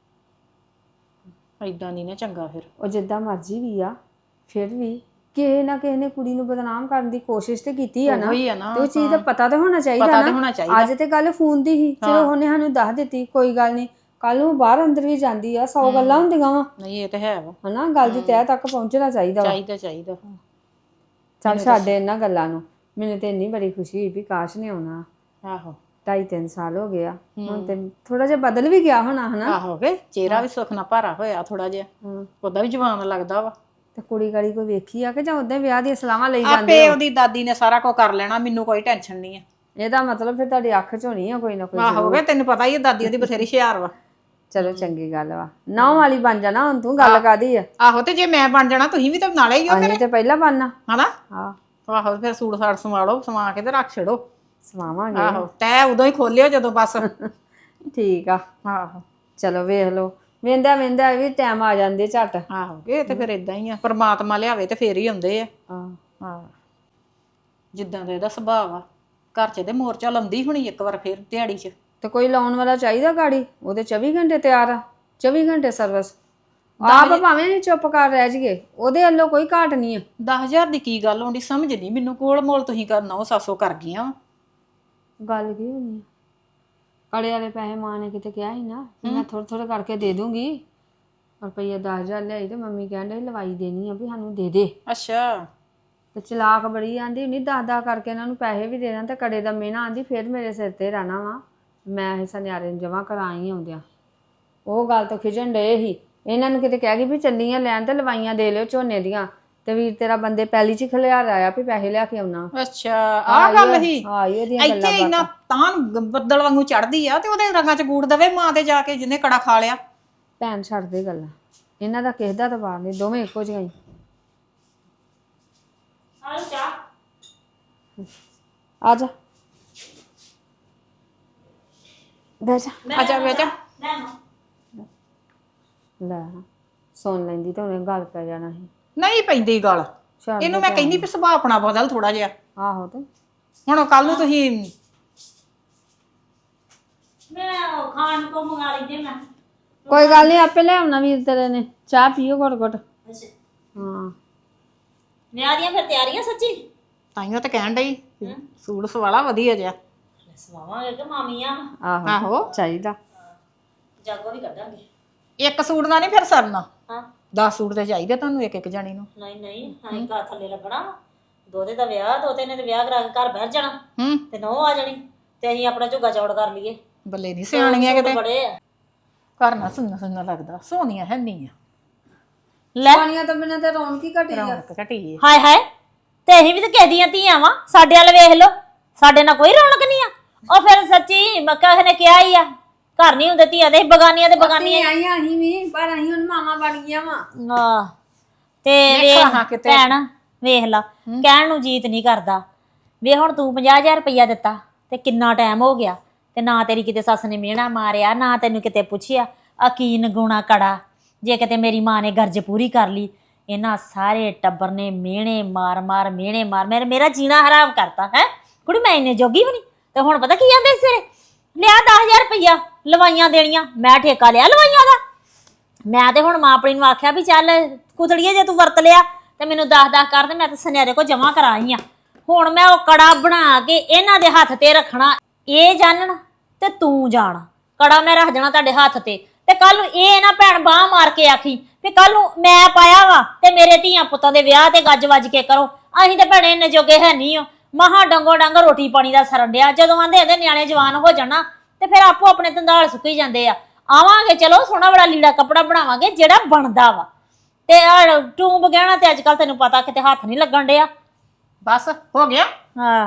Speaker 5: ਇਦਾਂ ਨਹੀਂ ਨਾ ਚੰਗਾ ਫਿਰ।
Speaker 3: ਉਹ ਜਿੱਦਾਂ ਮਰਜ਼ੀ ਵੀ ਆ ਫਿਰ ਵੀ ਕਿਸੇ ਨਾ ਕਿਸੇ ਨੇ ਕੁੜੀ ਨੂੰ ਬਦਨਾਮ ਕਰਨ ਦੀ ਕੋਸ਼ਿਸ਼ ਤੇ ਕੀਤੀ ਆ ਨਾ।
Speaker 5: ਉਹੀ ਆ ਨਾ,
Speaker 3: ਤੇ ਉਹ ਚੀਜ਼ ਦਾ ਪਤਾ ਤਾਂ ਹੋਣਾ ਚਾਹੀਦਾ
Speaker 5: ਪਤਾ ਤਾਂ
Speaker 3: ਨਾ।
Speaker 5: ਹੋਣਾ ਚਾਹੀਦਾ।
Speaker 3: ਅੱਜ ਤੇ ਗੱਲ ਫੋਨ ਦੀ ਹੀ, ਚਲੋ ਉਹਨੇ ਸਾਨੂੰ ਦੱਸ ਦਿੱਤੀ ਕੋਈ ਗੱਲ ਨਹੀਂ। ਕੱਲ ਨੂੰ ਬਾਹਰ ਅੰਦਰ ਵੀ ਜਾਂਦੀ ਆ, ਸੌ ਗੱਲਾਂ ਹੁੰਦੀਆਂ ਵਾ
Speaker 5: ਨਹੀਂ ਇਹ ਤਾਂ ਹੈ ਵਾ,
Speaker 3: ਹਨਾ। ਗੱਲ ਦੀ ਤਹਿ ਤੱਕ ਪਹੁੰਚਣਾ ਚਾਹੀਦਾ ਵਾ।
Speaker 5: ਚਾਹੀਦਾ ਚਾਹੀਦਾ।
Speaker 3: ਚੱਲ ਛੱਡੇ ਇਹਨਾਂ ਗੱਲਾਂ ਨੂੰ। ਮੈਨੂੰ ਤੇ ਇੰਨੀ ਬੜੀ ਖੁਸ਼ੀ ਹੋਈ ਵੀ ਕਾਸ਼ ਨੇ ਆਉਣਾ।
Speaker 5: ਆਹੋ
Speaker 3: ਢਾਈ ਤਿੰਨ ਸਾਲ ਹੋ ਗਿਆ ਹੁਣ ਤੇ ਥੋੜਾ ਜਿਹਾ ਬਦਲ ਵੀ ਗਿਆ ਹੋਣਾ ਹਨਾ।
Speaker 5: ਆਹੋ ਵੇ ਚਿਹਰਾ ਵੀ ਸੁੱਖ ਨਾਲ ਭਾਰਾ ਹੋਇਆ ਥੋੜਾ ਜਿਹਾ, ਉਹਦਾ ਵੀ ਜਵਾਨ ਲੱਗਦਾ ਵਾ।
Speaker 3: ਤੇ ਕੁੜੀ ਗਾੜੀ ਕੋਈ ਵੇਖੀ ਆ ਕਿ ਜਾਂ ਉਦਾਂ ਵਿਆਹ ਦੀਆਂ ਸਲਾਹਾਂ ਲਈ ਜਾਂਦੇ?
Speaker 5: ਆਪੇ ਉਹਦੀ ਦਾਦੀ ਨੇ ਸਾਰਾ ਕੁਝ ਕਰ ਲੈਣਾ, ਮੈਨੂੰ ਕੋਈ ਟੈਨਸ਼ਨ ਨਹੀਂ ਆ।
Speaker 3: ਇਹਦਾ ਮਤਲਬ ਫਿਰ ਤੁਹਾਡੀ ਅੱਖ ਚ ਹੋਣੀ ਆ ਕੋਈ ਨਾ ਕੋਈ।
Speaker 5: ਆਹੋ ਵੇ ਤੈਨੂੰ ਪਤਾ ਹੀ ਆ ਦਾਦੀ ਉਹਦੀ ਬਥੇਰੀ ਹੁਸ਼ਿਆਰ ਵਾ।
Speaker 3: ਚਲੋ ਚੰਗੀ ਗੱਲ ਵਾ। ਨੌ ਵਾਲੀ ਬਣ ਜਾਣਾ ਹੁਣ ਤੂੰ। ਗੱਲ ਕਾਦੀ ਆ?
Speaker 5: ਆਹੋ ਤੇ ਜੇ ਮੈਂ ਬਣ ਜਾਣਾ ਤੁਸੀਂ ਵੀ ਤਾਂ ਨਾਲੇ ਹੀ ਹੋ
Speaker 3: ਅਸੀਂ ਤੇ ਪਹਿਲਾਂ ਬਣਨਾ
Speaker 5: ਹਨਾ।
Speaker 3: ਹਾਂ
Speaker 5: ਆਹੋ ਫਿਰ ਸੂਟ ਸਾਟ ਸਵਾ ਲਓ, ਸਵਾ ਕੇ ਤੇ ਰੱਖ ਛੜੋ।
Speaker 3: ਸਵਾਵਾਂਗੇ।
Speaker 5: ਆਹੋ ਤੈ ਉਦੋਂ ਹੀ ਖੋਲਿਓ ਜਦੋਂ ਬਸ।
Speaker 3: ਠੀਕ ਆ।
Speaker 5: ਆਹੋ
Speaker 3: ਚਲੋ ਵੇਖ ਲਓ, ਵੇਂਦਾ ਵੇਂਦਾ ਵੀ ਟਾਈਮ ਆ ਜਾਂਦੇ ਝੱਟ।
Speaker 5: ਆਹੋ ਇਹ ਤੇ ਫਿਰ ਇਦਾਂ ਹੀ ਆ, ਪਰਮਾਤਮਾ ਲਿਆਵੇ ਤੇ ਫੇਰ ਹੀ ਆਉਂਦੇ ਆ।
Speaker 3: ਹਾਂ
Speaker 5: ਹਾਂ ਜਿੱਦਾਂ ਦਾ ਇਹਦਾ ਸੁਭਾਅ ਆ, ਘਰ 'ਚ ਤੇ ਮੋਰਚਾ ਲਾਉਂਦੀ ਹੋਣੀ ਇੱਕ ਵਾਰ ਫੇਰ ਦਿਹਾੜੀ 'ਚ।
Speaker 3: ਤੇ ਕੋਈ ਲਾਉਣ ਵਾਲਾ ਚਾਹੀਦਾ ਗਾੜੀ, ਉਹਦੇ ਚੌਵੀ ਘੰਟੇ ਤਿਆਰ ਆ। ਚੌਵੀ ਘੰਟੇ ਸਰਵਿਸ। ਆਪ ਭਾਵੇਂ ਅਸੀਂ ਚੁੱਪ ਕਰ ਰਹਿ ਜੀਏ, ਉਹਦੇ ਵੱਲੋਂ ਕੋਈ ਘਾਟ ਨਹੀਂ ਆ।
Speaker 5: ਦਸ ਹਜ਼ਾਰ ਦੀ ਕੀ ਗੱਲ ਆਉਂਦੀ ਸਮਝ ਨਹੀਂ ਮੈਨੂੰ। ਕੋਲ ਮੋਲ ਤੁਸੀਂ ਕਰਨਾ ਉਹ ਸਾਸੋ ਕਰ ਗਈਆਂ ਵਾ।
Speaker 3: ਗੱਲ ਕੀ ਹੋਣੀ ਆ? ਕੜੇ ਵਾਲੇ ਪੈਸੇ ਮਾਂ ਨੇ ਕਿਤੇ ਕਿਹਾ ਸੀ ਨਾ ਮੈਂ ਥੋੜੇ ਥੋੜੇ ਕਰਕੇ ਦੇ ਦੂੰਗੀ। ਰੁਪਈਆ ਦਸ ਹਜ਼ਾਰ ਲਿਆਈ ਤੇ ਮੰਮੀ ਕਹਿੰਦੇ ਲਵਾਈ ਦੇਣੀ ਆ ਵੀ ਸਾਨੂੰ ਦੇ ਦੇ।
Speaker 5: ਅੱਛਾ
Speaker 3: ਤੇ ਚਲਾਕ ਬੜੀ ਆਂਦੀ ਨਹੀਂ ਦਸ ਦਸ ਕਰਕੇ ਇਹਨਾਂ ਨੂੰ ਪੈਸੇ ਵੀ ਦੇ ਦਾਂ ਤੇ ਕੜੇ ਦਾ ਮਿਹਣਾ ਆਂਦੀ ਫਿਰ ਮੇਰੇ ਸਿਰ ਤੇ ਰਹਿਣਾ ਵਾ। ਮੈਂ ਇਹ ਸੁਨਿਆਰੇ ਨੂੰ ਜਮਾ ਕਰਾਈ ਆਉਂਦਿਆਂ ਉਹ ਗੱਲ ਤੋਂ ਖਿਜਣ ਡਏ ਸੀ। ਇਹਨਾਂ ਨੂੰ ਕਿਤੇ ਕਹਿ ਗਈ ਵੀ ਚੱਲੀਆਂ ਲੈਣ ਤੇ ਲਵਾਈਆਂ ਦੇ ਲਿਓ ਝੋਨੇ ਦੀਆਂ। ਤੇ ਵੀਰ ਤੇਰਾ ਬੰਦੇ ਪੈਲੀ 'ਚ ਖਲਿਆਰ ਆਇਆ ਵੀ ਪੈਸੇ ਲਿਆ ਕੇ ਆਉਣਾ।
Speaker 5: ਅੱਛਾ ਆਹ ਗੱਲ ਸੀ।
Speaker 3: ਹਾਂ ਇਹਦੀਆਂ ਗੱਲਾਂ
Speaker 5: ਇੱਥੇ ਇੰਨਾ ਤਾਂ ਬੱਦਲ ਵਾਂਗੂ ਚੜਦੀ ਆ ਤੇ ਉਹਦੇ ਰੰਗਾਂ 'ਚ ਗੂੜ ਦਵੇ ਮਾਂ ਤੇ ਜਾ ਕੇ ਜਿਹਨੇ ਕੜਾ ਖਾ ਲਿਆ।
Speaker 3: ਭੈਣ ਛੱਡ ਦੇ ਗੱਲਾਂ, ਇਹਨਾਂ ਦਾ ਕਿਸੇ ਦਾ ਤਬਾਰ ਨਹੀਂ, ਦੋਵੇਂ ਇੱਕੋ ਜਿਹੀਆਂ ਹੀ। ਆ ਜਾ ਬਹਿ ਜਾ।
Speaker 5: ਆ ਜਾ ਵੇ ਜਾ।
Speaker 3: ਲੈ ਸੁਣ ਲੈਂਦੀ ਤੇ ਉਹਨੇ ਗੱਲ ਪੈ ਜਾਣਾ ਸੀ।
Speaker 5: ਨਹੀਂ ਪੈਂਦੀ ਗੱਲ।
Speaker 3: ਛੱਡ
Speaker 5: ਇਹਨੂੰ ਮੈਂ ਕਹਿੰਦੀ ਵੀ ਸੁਭਾਅ ਆਪਣਾ ਬਦਲ ਥੋੜਾ ਜਿਹਾ।
Speaker 3: ਆਹੋ ਤੇ
Speaker 5: ਹੁਣ ਕੱਲ ਨੂੰ ਤੁਸੀਂ
Speaker 4: ਮੈਂ ਖਾਣ ਕੋ ਮੰਗਾ ਲਈ ਜੇ ਮੈਂ।
Speaker 3: ਕੋਈ ਗੱਲ ਨਹੀਂ ਆਪੇ ਲੈ ਆਉਣਾ ਵੀਰ ਤੇਰੇ ਨੇ। ਚਾਹ ਪੀਓ ਘੁੱਟ ਘੁੱਟ।
Speaker 4: ਅੱਛਾ
Speaker 3: ਹਾਂ
Speaker 4: ਵਿਆਹ ਦੀਆਂ ਫਿਰ ਤਿਆਰੀਆਂ ਸੱਚੀ?
Speaker 5: ਤਾਈਓ ਤਾਂ ਕਹਿਣ ਡਈ ਸੂਟ ਸਵਾਲਾ ਵਧੀਆ ਜਿਹਾ।
Speaker 4: ਸਵਾਵਾਂਗੇ ਕਿ ਮਾਮੀਆਂ
Speaker 3: ਆਹੋ
Speaker 5: ਆਹੋ
Speaker 3: ਚਾਹੀਦਾ।
Speaker 4: ਜਾਗੋ ਵੀ ਕੱਢਾਂਗੇ।
Speaker 5: ਇੱਕ ਸੂਟ ਦਾ ਨਹੀਂ ਫਿਰ ਸਰਨਾ।
Speaker 4: ਹਾਂ
Speaker 5: ਦਸ ਸੂਟ ਤੇ ਚਾਹੀਦੇ ਤੁਹਾਨੂੰ ਇੱਕ ਇੱਕ ਜਾਣੀ ਨੂੰ।
Speaker 4: ਨਹੀਂ ਨਹੀਂ ਹਾਂ ਘਰ ਥੱਲੇ ਲੱਗਣਾ। ਦੋਤੇ ਦਾ ਵਿਆਹ, ਦੋਤੇ ਨੇ ਤੇ ਵਿਆਹ ਕਰਾ ਕੇ ਘਰ ਬਹਿ ਜਾਣਾ
Speaker 5: ਹੂੰ
Speaker 4: ਤੇ ਨਹੁੰ ਆ ਜਾਣੀ ਤੇ ਅਸੀਂ ਆਪਣਾ ਝੁੱਗਾ ਚੌੜ ਕਰ ਲਈਏ।
Speaker 5: ਬੱਲੇ ਨਹੀਂ ਸਿਆਣੀਆਂ ਕਿਤੇ।
Speaker 4: ਬੜੇ ਆ
Speaker 5: ਘਰ ਨਾ ਸੁਣਨਾ ਸੁਣਨਾ ਲੱਗਦਾ। ਸੋਹਣੀਆਂ ਹੈ ਨਹੀਂ ਆ।
Speaker 4: ਲੈ
Speaker 3: ਪਾਣੀਆਂ ਤੋਂ ਬਿਨਾਂ ਤੇ ਰੌਣਕ ਹੀ ਘਟੀ ਆ।
Speaker 5: ਰੌਣਕ ਘਟੀ ਏ।
Speaker 4: ਹਾਏ ਹਾਏ ਤੇ ਅਸੀਂ ਵੀ ਤਾਂ ਕਿਸੇ ਦੀਆਂ ਧੀਆਂ ਵਾਂ। ਸਾਡੇ ਵੱਲ ਵੇਖ ਲਓ, ਸਾਡੇ ਨਾਲ ਕੋਈ ਰੌਣਕ ਨਹੀਂ ਆ। ਉਹ ਫਿਰ ਸੱਚੀ ਮੱਕਾ ਨੇ ਕਿਹਾ ਹੀ ਆ ਘਰ ਨਹੀਂ ਹੁੰਦੇ ਧੀਆਂ ਦੇ, ਬਗਾਨੀਆਂ ਤੇ ਬਗਾਨੀਆਂ।
Speaker 3: ਆਈਆਂ ਅਸੀਂ ਵੀ ਪਰ ਅਸੀਂ ਹੁਣ ਮਾਮਾ ਬਣ ਗਈਆਂ ਵਾ।
Speaker 4: ਆਹ ਤੇ ਵੇਖ ਭੈਣ ਵੇਖ ਲਾ ਕਹਿਣ ਨੂੰ ਜੀਤ ਨਹੀਂ ਕਰਦਾ। ਵੇ ਹੁਣ ਤੂੰ ਪੰਜਾਹ ਹਜ਼ਾਰ ਰੁਪਈਆ ਦਿੱਤਾ ਤੇ ਕਿੰਨਾ ਟਾਈਮ ਹੋ ਗਿਆ ਤੇ ਨਾ ਤੇਰੀ ਕਿਤੇ ਸੱਸ ਨੇ ਮਿਹਣਾ ਮਾਰਿਆ, ਨਾ ਤੈਨੂੰ ਕਿਤੇ ਪੁੱਛਿਆ ਆ ਕੀ ਨਗੁਣਾ ਕੜਾ। ਜੇ ਕਿਤੇ ਮੇਰੀ ਮਾਂ ਨੇ ਗਰਜ ਪੂਰੀ ਕਰ ਲਈ, ਇਹਨਾਂ ਸਾਰੇ ਟੱਬਰ ਨੇ ਮਿਹਣੇ ਮਾਰ ਮਾਰ ਮਿਹਣੇ ਮਾਰ ਮੇਰੇ ਮੇਰਾ ਜੀਣਾ ਹਰਾਮ ਕਰਤਾ ਹੈ। ਕੁੜੀ ਮੈਂ ਇੰਨੇ ਜੋਗੀ ਵੀ ਨਹੀਂ। ਤੇ ਹੁਣ ਪਤਾ ਕੀ ਕਹਿੰਦੇ ਸਵੇਰੇ ਲਿਆ ਦਸ ਹਜ਼ਾਰ ਰੁਪਈਆ ਲਵਾਈਆਂ ਦੇਣੀਆਂ। ਮੈਂ ਠੇਕਾ ਲਿਆ ਲਵਾਈਆਂ ਦਾ। ਮੈਂ ਤੇ ਹੁਣ ਮਾਂ ਆਪਣੀ ਨੂੰ ਆਖਿਆ ਵੀ ਚੱਲ ਕੁਤੜੀਏ ਜੇ ਤੂੰ ਵਰਤ ਲਿਆ ਤੇ ਮੈਨੂੰ ਦਸ ਦਸ ਕਰ ਤੇ ਮੈਂ ਤੇ ਸੁਨਿਆਰੇ ਕੋ ਜਮਾ ਕਰਾਈ ਆ। ਹੁਣ ਮੈਂ ਉਹ ਕੜਾ ਬਣਾ ਕੇ ਇਹਨਾਂ ਦੇ ਹੱਥ ਤੇ ਰੱਖਣਾ। ਇਹ ਜਾਣਨ ਤੇ ਤੂੰ ਜਾਣ। ਕੜਾ ਮੈਂ ਰੱਖ ਜਾਣਾ ਤੁਹਾਡੇ ਹੱਥ ਤੇ ਤੇ ਕੱਲ ਨੂੰ ਇਹ ਨਾ ਭੈਣ ਬਾਹ ਮਾਰ ਕੇ ਆਖੀ ਵੀ ਕੱਲ ਨੂੰ ਮੈਂ ਪਾਇਆ ਵਾ ਤੇ ਮੇਰੇ ਧੀਆਂ ਪੁੱਤਾਂ ਦੇ ਵਿਆਹ ਤੇ ਗੱਜ ਵੱਜ ਕੇ ਕਰੋ। ਅਸੀਂ ਤੇ ਭੈਣੇ ਇੰਨੇ ਜੋਗੇ ਹੈ ਨਹੀਂ ਓ। ਮਹਾ ਡੰਗੋ ਡੰਗ ਰੋਟੀ ਪਾਣੀ ਦਾ ਸਰਨ ਡਿਆ। ਜਦੋਂ ਆਂਦੇ ਇਹਦੇ ਨਿਆਣੇ ਜਵਾਨ ਹੋ ਜਾਣਾ ਤੇ ਫਿਰ ਆਪੋ ਆਪਣੇ ਧੰਦਾਲ ਸੁੱਕੀ ਜਾਂਦੇ ਆ। ਆਵਾਂਗੇ ਚਲੋ ਸੋਹਣਾ ਬੜਾ ਲੀੜਾ ਕੱਪੜਾ ਬਣਾਵਾਂਗੇ ਜਿਹੜਾ ਬਣਦਾ ਵਾ ਤੇ ਆ ਟੂੰਬ ਗਹਿਣਾ ਤੇ ਅੱਜ ਕੱਲ ਤੈਨੂੰ ਪਤਾ ਕਿਤੇ ਹੱਥ ਨਹੀਂ ਲੱਗਣ ਡਿਆ।
Speaker 5: ਬਸ ਹੋ ਗਿਆ
Speaker 4: ਹਾਂ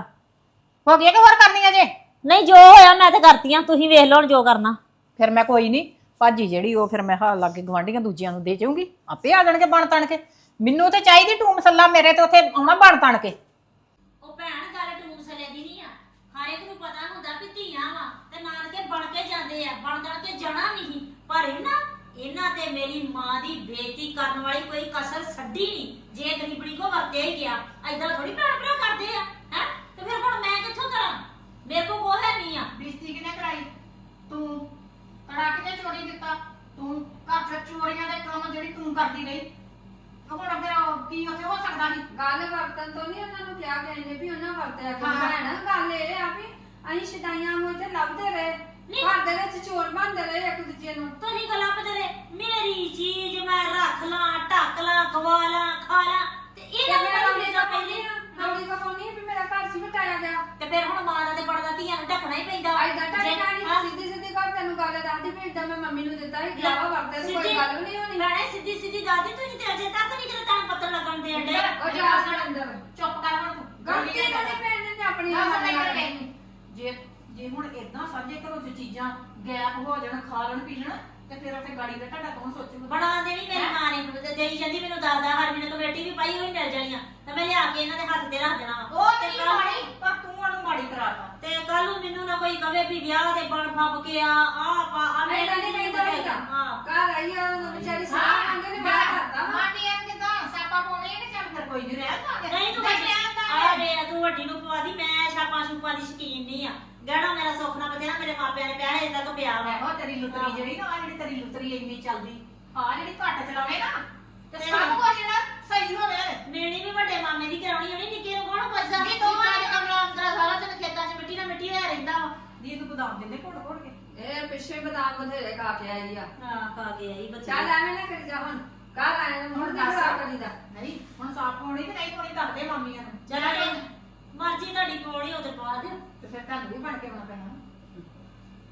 Speaker 5: ਹੋ ਗਿਆ ਕਿ ਹੋਰ ਕਰਨੀ ਅਜੇ?
Speaker 4: ਨਹੀਂ ਜੋ ਹੋਇਆ ਮੈਂ ਤੇ ਕਰਤੀਆਂ, ਤੁਸੀਂ ਵੇਖ ਲਓ ਹੁਣ ਜੋ ਕਰਨਾ।
Speaker 5: ਫਿਰ ਮੈਂ ਕੋਈ ਨਹੀਂ ਭਾਜੀ ਜਿਹੜੀ ਉਹ ਫਿਰ ਮੈਂ ਹਾਲ ਲਾਗੇ ਗਵਾਂਢੀਆਂ ਦੂਜਿਆਂ ਨੂੰ ਦੇ ਜਾਊਂਗੀ, ਆਪੇ ਆ ਜਾਣਗੇ ਬਣ ਤਣ ਕੇ। ਮੈਨੂੰ ਤੇ ਚਾਹੀਦੀ ਟੂਮ ਮਸੱਲਾ, ਮੇਰੇ ਤੇ ਉੱਥੇ ਆਉਣਾ ਬਣ ਤਣ ਕੇ।
Speaker 4: ਉਹ ਭੈਣ ਗੱਲ ਟੂਮ ਸਲੇ ਦੀ ਨਹੀਂ ਆ, ਹਰ ਇੱਕ ਨੂੰ ਪਤਾ ਹੁੰਦਾ ਵੀ ਧੀਆਂ ਵਾ ਤੇ ਨਾਨਕੇ ਬਣ ਕੇ ਜਾਂਦੇ ਆ, ਬਣ ਬਣ ਕੇ ਜਾਣਾ ਨਹੀਂ। ਪਰ ਇਹਨਾਂ ਇਹਨਾਂ ਤੇ ਮੇਰੀ ਮਾਂ ਦੀ ਬੇਇੱਜ਼ਤੀ ਕਰਨ ਵਾਲੀ ਕੋਈ ਕਸਰ ਛੱਡੀ ਨਹੀਂ। ਜੇ ਗਰੀਬਣੀ ਕੋ ਵਰਤਿਆ ਹੀ ਗਿਆ, ਐਦਾਂ ਥੋੜੀ ਭੈਣ ਭਰਾ ਕਰਦੇ ਆ ਹੈ। ਤੇ ਫਿਰ ਹੁਣ ਮੈਂ ਕਿੱਥੋਂ ਕਰਾਂ, ਮੇਰੇ ਕੋ ਕੋਹ ਹੈ ਨਹੀਂ ਆ।
Speaker 5: ਬੇਇੱਜ਼ਤੀ ਕਿਹਨੇ ਕਰਾਈ? ਤੂੰ ਕੜਾ ਕਿਨੇ ਚੋਰੀ ਦਿੱਤਾ? ਤੂੰ ਘਰ ਚ ਚੋਰੀਆਂ ਦੇ ਕੰਮ ਜਿਹੜੀ ਤੂੰ ਕਰਦੀ ਰਹੀ, ਹੁਣ ਫਿਰ ਕੀ ਉੱਥੇ ਹੋ ਸਕਦਾ ਸੀ?
Speaker 3: ਗੱਲ ਵਰਤਨ ਤੋਂ ਨਹੀਂ ਉਹਨਾਂ ਨੂੰ ਕਿਹਾ ਗਿਆ ਇਹਨੇ ਵੀ ਉਹਨਾਂ ਵਰਤਿਆ ਕਿ
Speaker 5: ਹਾਂ।
Speaker 3: ਭੈਣ ਗੱਲ ਇਹ ਆ ਵੀ ਅਸੀਂ ਸ਼ਿਦਾਈਆਂ ਨੂੰ ਇੱਥੇ ਲੱਭਦੇ ਰਹੇ, ਘਰ ਦੇ ਵਿੱਚ ਚੋਰ ਬਣਦੇ ਰਹੇ ਇੱਕ ਦੂਜੇ ਨੂੰ।
Speaker 4: ਤੁਸੀਂ ਗੱਲਾਂ ਬਦਲੇ ਮੇਰੀ ਚੀਜ਼ ਮੈਂ ਰੱਖ ਲਾਂ, ਢੱਕ ਲਾਂ, ਖਵਾ ਲਾਂ, ਖਾ ਲਾਂ ਤੇ
Speaker 3: ਤੇ
Speaker 4: ਇਹਨਾਂ
Speaker 3: ਮੈਂ
Speaker 4: ਨੂੰ
Speaker 3: ਰੌਲੀ
Speaker 4: ਨਹੀਂ
Speaker 3: ਦਾ
Speaker 4: ਪਹਿਲੇ
Speaker 3: ਰੌਲੀ ਦਾ ਪਾਉਣੀ ਵੀ ਮੇਰਾ ਘਰ ਸੀ ਵਟਾਇਆ ਗਿਆ।
Speaker 4: ਤੇ ਫਿਰ ਹੁਣ ਮਾਂ ਦਾ ਤੇ ਬੜਦਾ ਧੀਆਂ ਨੂੰ ਢੱਕਣਾ ਹੀ ਪੈਂਦਾ।
Speaker 3: ਐਦਾਂ ਟਾਈ
Speaker 4: ਜੇ-
Speaker 3: ਟਾਈ
Speaker 4: ਹਾਂ।
Speaker 3: ਸਿੱਧੀ ਸਿੱਧੀ ਕਰ ਤੈਨੂੰ ਗੱਲ ਦੱਸਦੀ ਵੀ ਇਦਾਂ ਮੈਂ ਮੰਮੀ ਨੂੰ ਦਿੱਤਾ ਸੀ ਗਿਆ ਵਾ ਵਰਤੇ ਤੇ ਕੋਈ
Speaker 4: ਸਿੱਧੀ-
Speaker 3: ਗੱਲ ਵੀ ਨਹੀਂ ਹੋਣੀ।
Speaker 4: ਭੈਣੇ ਸਿੱਧੀ ਸਿੱਧੀ ਦੱਸਦੀ, ਤੁਸੀਂ ਤੇ ਅਜੇ ਤੱਕ ਨਹੀਂ ਕਿਤੇ ਤੁਹਾਨੂੰ ਪਤਾ ਲੱਗਣ ਦੇ ਅੰਡੇ।
Speaker 3: ਉਹ ਜਾ ਸਾਡੇ ਅੰਦਰ
Speaker 5: ਚੁੱਪ ਕਰ ਹੁਣ ਤੂੰ।
Speaker 3: ਗਲਤੀ ਕਦੇ ਭੈਣ ਨੇ ਤੇ ਆਪਣੀ
Speaker 5: ਨਾ
Speaker 3: ਨਾਲ
Speaker 5: ਸਮਝ
Speaker 3: ਨਾਲ
Speaker 5: ਲੈ।
Speaker 3: ਕਰਨੀ।
Speaker 5: ਜੇ ਜੇ ਹੁਣ ਇਦਾਂ ਸਾਂਝੇ ਘਰੋਂ ਚ ਚੀਜ਼ਾਂ ਗੈਪ ਹੋ ਜਾਣ, ਖਾ ਲੈਣ ਪੀ ਲੈਣ, ਤੇ ਫਿਰ ਉੱਥੇ ਗਾੜੀ ਦਾ ਤੁਹਾਡਾ ਕੌਣ ਸੋਚੂਗਾ?
Speaker 4: ਬਣਾ ਦੇਣੀ ਮੇਰੀ ਮਾਂ ਨੇ ਤੇ ਦੇਈ ਜਾਂਦੀ ਮੈਨੂੰ ਦਾਦਾ ਹਰ ਮੈਨੂੰ ਕਮੇਟੀ ਵੀ ਪਾਈ ਹੋਈ ਮਿਲ ਜਾਣੀ ਆ ਤੇ ਮੈਂ ਲਿਆ ਕੇ ਇਹਨਾਂ ਦੇ ਹੱਥ ਤੇ ਰੱਖ ਦੇਣਾ ਵਾ।
Speaker 5: ਉਹ ਤੇਰੀ ਮਾੜੀ, ਪਰ ਤੂੰ ਉਹਨੂੰ ਮਾੜੀ ਕਰਾਤਾ।
Speaker 4: ਤੇ ਕੱਲ ਨੂੰ ਮੈਨੂੰ ਨਾ ਕੋਈ ਕਵੇ ਵੀ ਵਿਆਹ ਦੇ ਬਣ ਫੱਬ ਕੇ ਆ ਆ ਪਾ ਆ ਮੈਂ
Speaker 3: ਐਦਾਂ ਨਹੀਂ ਕਹਿੰਦਾ ਹੁੰਦਾ।
Speaker 4: ਹਾਂ
Speaker 3: ਘਰ ਆਈ ਆ ਉਹ ਵਿਚਾਰੀ ਸਲਾਹ ਮੰਗੇ ਨੇ ਮੈਂ ਕਰਤਾ ਵਾ।
Speaker 5: ਮਾਟੀ ਐ ਕਿਦਾਂ ਸਾਪਾ ਪਾਉਣੇ ਨੇ, ਚੱਲ ਫਿਰ ਕੋਈ ਨਹੀਂ ਰਹਿ ਪਾਂਗੇ।
Speaker 4: ਨਹੀਂ ਤੂੰ ਵੱਡੀ ਆ ਵੇ ਤੂੰ ਵੱਡੀ ਨੂੰ ਪਵਾ ਦੀ, ਮੈਂ ਛਾਪਾਂ ਛੂਪਾਂ ਦੀ ਸ਼ਕੀਨ ਨਹੀਂ ਆ। ਗਹਿਣਾ ਮੇਰਾ ਸੁੱਖ ਨਾ ਬਚਿਆ, ਮੇਰੇ ਮਾਪਿਆਂ ਨੇ ਪੈਸੇ ਤੱਕ ਪਿਆ ਵਾ।
Speaker 5: ਇਹੋ ਤੇਰੀ ਲੁਤਰੀ ਜਿਹੜੀ ਨਾ, ਆ ਜਿਹੜੀ ਤੇਰੀ ਲੁਤਰੀ ਇੰਨੀ ਚੱਲਦੀ, ਆ ਜਿਹੜੀ ਘੱਟ ਚਲਾਵੇ ਨਾ ਤੇ
Speaker 4: ਤੇ
Speaker 5: ਸਭ ਕੁਝ ਜਿਹੜਾ ਸਹੀ ਹੋਵੇ।
Speaker 4: ਮੇਰੀ ਵੀ ਵੱਡੇ ਮਾਮੇ ਦੀ ਕਰਾਉਣੀ ਹੋਣੀ, ਨਿੱਕੇ ਨੂੰ ਕੌਣ ਪੁੱਛਦਾ?
Speaker 5: ਨਹੀਂ, ਦੋਵਾਂ
Speaker 4: ਨਿੱਕਾ
Speaker 5: ਨੇ
Speaker 4: ਤੇ ਕਮਲਾ ਅੰਦਰ ਸਾਰਾ ਦਿਨ ਖੇਤਾਂ 'ਚ ਮਿੱਟੀ ਨਾਲ ਮਿੱਟੀ ਹੋਇਆ ਰਹਿੰਦਾ ਵਾ।
Speaker 5: ਦੀ ਤੂੰ ਬਦਾਮ ਦਿੰਦੇ ਘੋੜ ਘੋੜ ਕੇ।
Speaker 3: ਇਹ ਪਿੱਛੇ ਬਦਾਮ ਬਥੇਰੇ ਖਾ ਕੇ ਆਈ ਆ।
Speaker 4: ਹਾਂ ਖਾ ਕੇ ਆਈ ਬੱਚੇ।
Speaker 3: ਚੱਲ ਐਵੇਂ ਨਾ ਕਰੀ ਜਾ ਹੁਣ, ਘਰ ਆਏ ਨੂੰ ਹੁਣ ਨਹੀਂ ਖਰਾਬ ਕਰੀਦਾ।
Speaker 5: ਨਹੀਂ ਹੁਣ ਸਾਫ ਹੋਣੀ ਤੇ ਨਹੀਂ ਹੋਣੀ ਦੱਸਦੇ ਮਾਮੀਆਂ ਨੂੰ।
Speaker 4: ਚੱਲ ਮਰਜ਼ੀ ਤੁਹਾਡੀ ਪੌੜੀ ਉਹਦੇ ਪਾ ਦਿਓ।
Speaker 5: ਤੇ ਫਿਰ ਤੁਹਾਨੂੰ ਵੀ ਬਣ ਕੇ ਆਉਣਾ ਪੈਣਾ।